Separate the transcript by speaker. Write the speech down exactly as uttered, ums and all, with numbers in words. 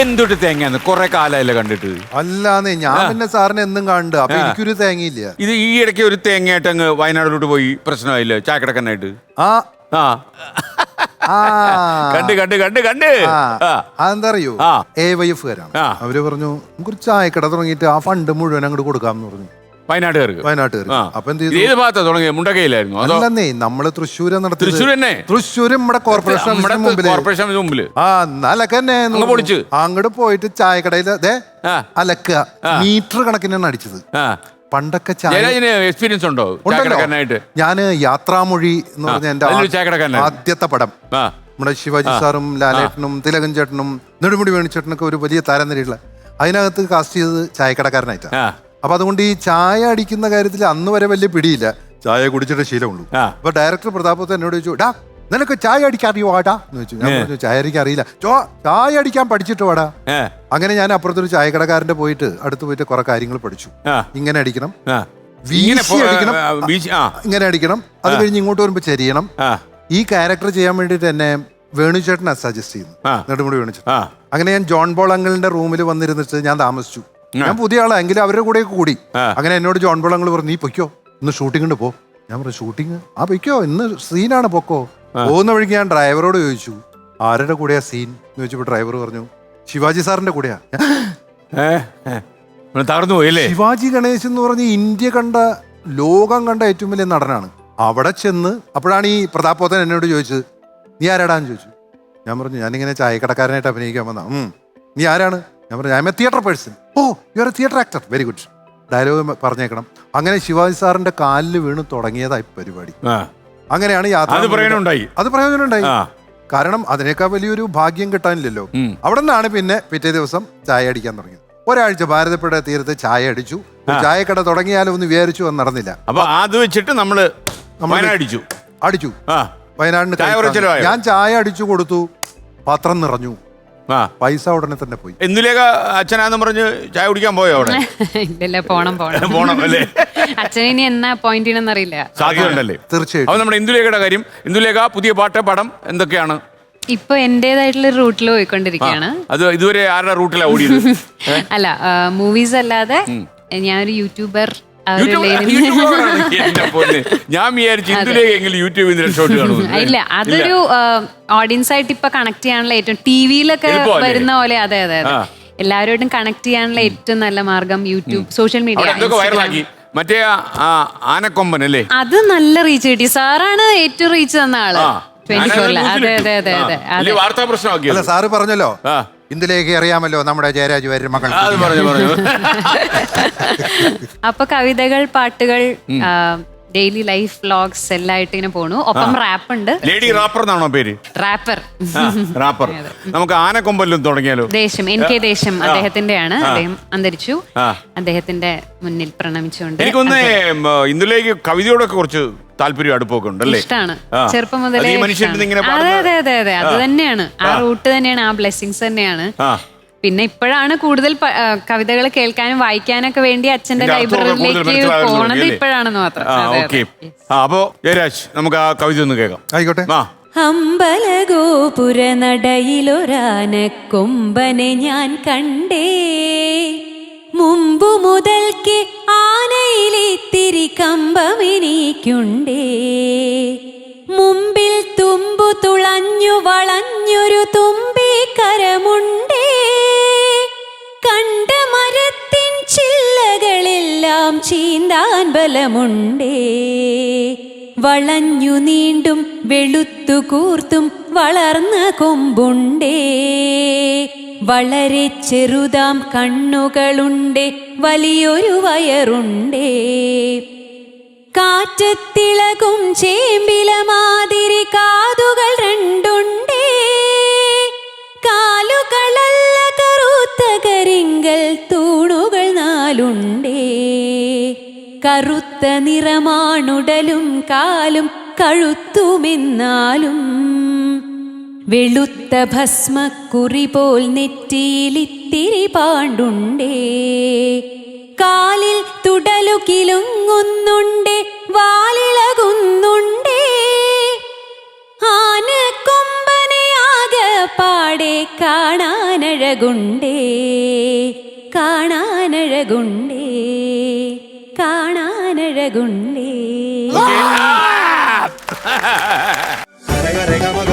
Speaker 1: എന്തൊട്ട് തേങ്ങ കൊറേ കാലമായില്ല കണ്ടിട്ട്.
Speaker 2: അല്ലാന്നേ ഞാൻ പിന്നെ സാറിന് എന്നും കണ്ടു. അപ്പൊ എനിക്കൊരു തേങ്ങയില്ല.
Speaker 1: ഇത് ഈ ഇടയ്ക്ക് ഒരു തേങ്ങയായിട്ട് അങ്ങ് വയനാടിലോട്ട് പോയി പ്രശ്നമായില്ലേ ചായക്കടക്കനായിട്ട്?
Speaker 2: ആ
Speaker 1: ആ
Speaker 2: ആ
Speaker 1: കണ്ട് കണ്ട് കണ്ട് കണ്ട്
Speaker 2: അതെന്താ അറിയോ, എ വൈ എഫ് കാരാണ്. അവര് പറഞ്ഞു നമുക്കൊരു ചായക്കട തുടങ്ങിയിട്ട് ആ ഫണ്ട് മുഴുവൻ അങ്ങോട്ട് കൊടുക്കാമെന്ന് പറഞ്ഞു
Speaker 1: വയനാട്ടുകാർക്ക്.
Speaker 2: വയനാട്ടുകാർക്ക് അപ്പൊ എന്ത് ചെയ്തു?
Speaker 1: ഏത് ഭാഗത്താ തുടങ്ങിയത്? മുണ്ടക്കയിലായിരുന്നു?
Speaker 2: അല്ലെന്നേ നമ്മള് തൃശ്ശൂര് നടത്തി.
Speaker 1: തൃശ്ശൂർ തന്നെ?
Speaker 2: തൃശ്ശൂര് നമ്മുടെ കോർപ്പറേഷൻ
Speaker 1: കോർപ്പറേഷൻ മുമ്പില്
Speaker 2: ആ അലക്കന്നെ പൊളിച്ച് അങ്ങോട്ട് പോയിട്ട് ചായക്കടയിൽ അതെ അലക്കുക മീറ്റർ കണക്കിനാണ് അടിച്ചത്. പണ്ടൊക്കെ
Speaker 1: എക്സ്പീരിയൻസ് ഉണ്ടോ?
Speaker 2: ഞാന് യാത്രാമൊഴി എന്ന് പറഞ്ഞ എന്റെ ആദ്യത്തെ പടം നമ്മുടെ ശിവാജി സാറും ലാലേട്ടനും തിലകൻ ചേട്ടനും നെടുമുടി വേണിച്ചേട്ടനൊക്കെ ഒരു വലിയ താരനിരയുള്ള അതിനകത്ത് കാസ്റ്റ് ചെയ്തത് ചായക്കടക്കാരനായിട്ടാണ്. അപ്പൊ അതുകൊണ്ട് ഈ ചായ അടിക്കുന്ന കാര്യത്തിൽ അന്ന് വരെ വലിയ പിടിയില്ല. ചായ കുടിച്ചിട്ട് ശീലമുള്ളൂ. അപ്പൊ ഡയറക്ടർ പ്രതാപത്ത് എന്നോട് ചോദിച്ചു, ഡാ നിനക്ക് ചായ അടിക്കാൻ അറിയോ വാടാ എന്ന് ചോദിച്ചു. ഞാൻ പറഞ്ഞു ചായ അടിക്കാൻ അറിയില്ല. ചോ ചായ അടിക്കാൻ പഠിച്ചിട്ട് വാടാ. അങ്ങനെ ഞാൻ അപ്പുറത്തൊരു ചായക്കടക്കാരന്റെ പോയിട്ട് അടുത്ത് പോയിട്ട് കുറെ കാര്യങ്ങൾ പഠിച്ചു. ഇങ്ങനെ അടിക്കണം, വീശി അടിക്കണം, ഇങ്ങനെ അടിക്കണം. അത് കഴിഞ്ഞ് ഇങ്ങോട്ട് വരുമ്പോ ചെരിയണം. ഈ ക്യാരക്ടർ ചെയ്യാൻ വേണ്ടിട്ട് എന്നെ വേണുചേട്ടനാ സജസ്റ്റ് ചെയ്യുന്നു, നെടുമുടി വേണുചേട്ടൻ. അങ്ങനെ ഞാൻ ജോൺ ബോൾ അങ്കിളിന്റെ റൂമിൽ വന്നിരുന്നിട്ട് ഞാൻ താമസിച്ചു. ഞാൻ പുതിയ ആളാ എങ്കിലും അവരുടെ കൂടെ കൂടി. അങ്ങനെ എന്നോട് ജോൺ ബോൾ അങ്കിൾ പറഞ്ഞു, നീ പൊയ്ക്കോ ഇന്ന് ഷൂട്ടിങ്ങിന് പോ. ഞാൻ പറഞ്ഞു ഷൂട്ടിങ്? ആ പൊയ്ക്കോ ഇന്ന് സീനാണ്, പൊക്കോ. പോകുന്ന വഴിക്ക് ഞാൻ ഡ്രൈവറോട് ചോദിച്ചു ആരുടെ കൂടെയാ സീൻ എന്ന് ചോദിച്ചപ്പോ ഡ്രൈവർ പറഞ്ഞു ശിവാജി സാറിന്റെ കൂടെയാ.
Speaker 1: തകർന്നു പോയല്ലേ?
Speaker 2: ശിവാജി ഗണേശൻ എന്ന് പറഞ്ഞ ഇന്ത്യ കണ്ട ലോകം കണ്ട ഏറ്റവും വലിയ നടനാണ്. അവിടെ ചെന്ന് അപ്പോഴാണ് ഈ പ്രതാപോത്തൻ എന്നോട് ചോദിച്ചത് നീ ആരാടാന്ന് ചോദിച്ചു. ഞാൻ പറഞ്ഞു ഞാനിങ്ങനെ ചായക്കടക്കാരനായിട്ട് അഭിനയിക്കാൻ വന്ന. ഉം നീ ആരാണ്? ഞാൻ പറഞ്ഞു I am a theatre person. Oh you are a theatre actor, very good. Dialogue പറഞ്ഞേക്കണം. അങ്ങനെ ശിവാജി സാറിന്റെ കാലിൽ വീണ് തുടങ്ങിയതായി പരിപാടി. അങ്ങനെയാണ് യാത്ര. അത് പ്രയോജനം ഉണ്ടായി. കാരണം അതിനേക്കാൾ വലിയൊരു ഭാഗ്യം കിട്ടാനില്ലല്ലോ. അവിടെ നിന്നാണ് പിന്നെ പിറ്റേ ദിവസം ചായ അടിക്കാൻ തുടങ്ങിയത്. ഒരാഴ്ച ഭാരതപ്പുഴ തീരത്ത് ചായ അടിച്ചു. ചായക്കട തുടങ്ങിയാലോ എന്ന് വിചാരിച്ചു, അത് നടന്നില്ല.
Speaker 1: അപ്പൊ അത് വെച്ചിട്ട് നമ്മള് അടിച്ചു
Speaker 2: അടിച്ചു വയനാടിന്. ഞാൻ ചായ അടിച്ചു കൊടുത്തു, പാത്രം നിറഞ്ഞു, പൈസ ഉടനെ തന്നെ പോയി.
Speaker 1: എന്തിലേക്കാ അച്ഛനാന്ന് പറഞ്ഞ് ചായ കുടിക്കാൻ പോയോ അവിടെ?
Speaker 3: ഇല്ലല്ല, പോണം പോണം
Speaker 1: പോണം അല്ലേ?
Speaker 3: അച്ഛനെ എന്നാ പോയിന്റ് ചെയ്യണമെന്ന് അറിയില്ല.
Speaker 1: സാധ്യതയുണ്ടല്ലേ?
Speaker 2: തീർച്ചയായും.
Speaker 1: അപ്പൊ നമ്മുടെ ഇന്ദുലേഖയുടെ കാര്യം, ഇന്ദുലേഖ പുതിയ പാട്ട് പടം എന്തൊക്കെയാണ്?
Speaker 3: ഇപ്പൊ എന്റേതായിട്ടുള്ള റൂട്ടിൽ പോയിക്കൊണ്ടിരിക്കുകയാണ്. അത്
Speaker 1: ഇതുവരെ ആരുടെ റൂട്ടിലാ ഓടിയത്?
Speaker 3: അല്ല, മൂവീസ് അല്ലാതെ ഞാനൊരു യൂട്യൂബർ.
Speaker 1: ഞാൻ
Speaker 3: ഇല്ല, അതൊരു ഓഡിയൻസ് ആയിട്ട് ഇപ്പൊ കണക്ട് ചെയ്യാനുള്ള ഏറ്റവും ടിവിയിലൊക്കെ വരുന്ന പോലെ. അതെ അതെ അതെ, എല്ലാവരോടും കണക്ട് ചെയ്യാനുള്ള ഏറ്റവും നല്ല മാർഗം യൂട്യൂബ്, സോഷ്യൽ മീഡിയ.
Speaker 1: മറ്റേ ആനക്കൊമ്പൻ അല്ലേ,
Speaker 3: അത് നല്ല റീച്ച് കിട്ടി. സാറാണ് ഏറ്റവും റീച്ച് തന്ന ആള് ട്വന്റി ഫോറില്. അതെ അതെ അതെ അതെ അതെ,
Speaker 1: വാർത്താ പ്രശ്നമാക്കി.
Speaker 2: സാറ് പറഞ്ഞല്ലോ ഇന്ദിലേക്ക് അറിയാമല്ലോ നമ്മുടെ ജയരാജ് വാര്യർ മകൾ.
Speaker 3: അപ്പൊ കവിതകൾ, പാട്ടുകൾ, ഡെയിലി ലൈഫ് വ്ലോഗ്സ് എല്ലായിട്ട് ഇങ്ങനെ പോണു. ഒപ്പം റാപ്പ് ഉണ്ട്.
Speaker 1: ലേഡി റാപ്പർ എന്നാണോ പേര്?
Speaker 3: Rapper
Speaker 1: rapper. നമുക്ക് ആനക്കൊമ്പലും തുടങ്ങിയാലോ?
Speaker 3: ദേശം, എൻ കെ ദേശം അദ്ദേഹത്തിന്റെയാണ്. അദ്ദേഹം അന്തരിച്ചു. അദ്ദേഹത്തിന്റെ മുന്നിൽ പ്രണമിച്ചുകൊണ്ട്.
Speaker 1: എനിക്കൊന്ന് ഇന്ദുലേക്ക് കവിതയോടൊക്കെ കുറച്ച് താല്പര്യം, അടുപ്പൊക്കെ ഉണ്ടല്ലേ?
Speaker 3: ഇഷ്ടമാണ് ചെറുപ്പം മുതലേ. അതെ അതെ അതെ അതെ, അത് തന്നെയാണ്, ആ റൂട്ട് തന്നെയാണ്, ആ ബ്ലെസ്സിങ്സ് തന്നെയാണ്. പിന്നെ ഇപ്പോഴാണ് കൂടുതൽ കവിതകൾ കേൾക്കാനും വായിക്കാനൊക്കെ വേണ്ടി അച്ഛന്റെ ലൈബ്രറിയിലേക്ക് പോണത് ഇപ്പോഴാണെന്ന് മാത്രം.
Speaker 1: അപ്പോ ജയരാജ്, നമുക്ക് ആ കവിത ഒന്ന് കേൾക്കാം.
Speaker 2: ആയിക്കോട്ടെ.
Speaker 4: അമ്പലഗോപുര നടയിലൊരാനക്കൊമ്പനെ ഞാൻ കണ്ടേ, മുമ്പു മുതൽക്ക് ആനയിലിത്തിരി കമ്പമെനിക്കുണ്ടേ, മുമ്പിൽ തുമ്പു തുളഞ്ഞു വളഞ്ഞൊരു തുമ്പിക്കരമുണ്ടേ, കണ്ട മരത്തിൻ ചില്ലകളെല്ലാം ചീന്താൻ ബലമുണ്ടേ, വളഞ്ഞു നീണ്ടും വെളുത്തു കൂർത്തും വളർന്ന കൊമ്പുണ്ടേ, വളരെ ചെറുതാം കണ്ണുകളുണ്ടേ, വലിയൊരു വയറുണ്ടേ, കാറ്റത്തിളകും ചേമ്പില മാതിരി കാതുകൾ രണ്ടുണ്ടേ, കാലുകളല്ല കറുത്ത കരിങ്കൽ തൂണുകൾ നാലുണ്ടേ, കറുത്ത നിറമാണുടലും കാലും കഴുത്തുമെന്നാലും, വെളുത്ത ഭസ്മക്കുറി പോൽ നെറ്റിയിലിത്തിരി പാണ്ടുണ്ടേ, കാലിൽ തുടലു കിലുങ്ങുന്നുണ്ടേ, വാലിളകുന്നുണ്ടേ, ആനക്കൊമ്പനെ ആകെ പാടെ കാണാനഴ കാണാനഴകുണ്ടേ കാണാനഴകുണ്ടേ കാണാനഴകുണ്ടേ.
Speaker 1: Okay.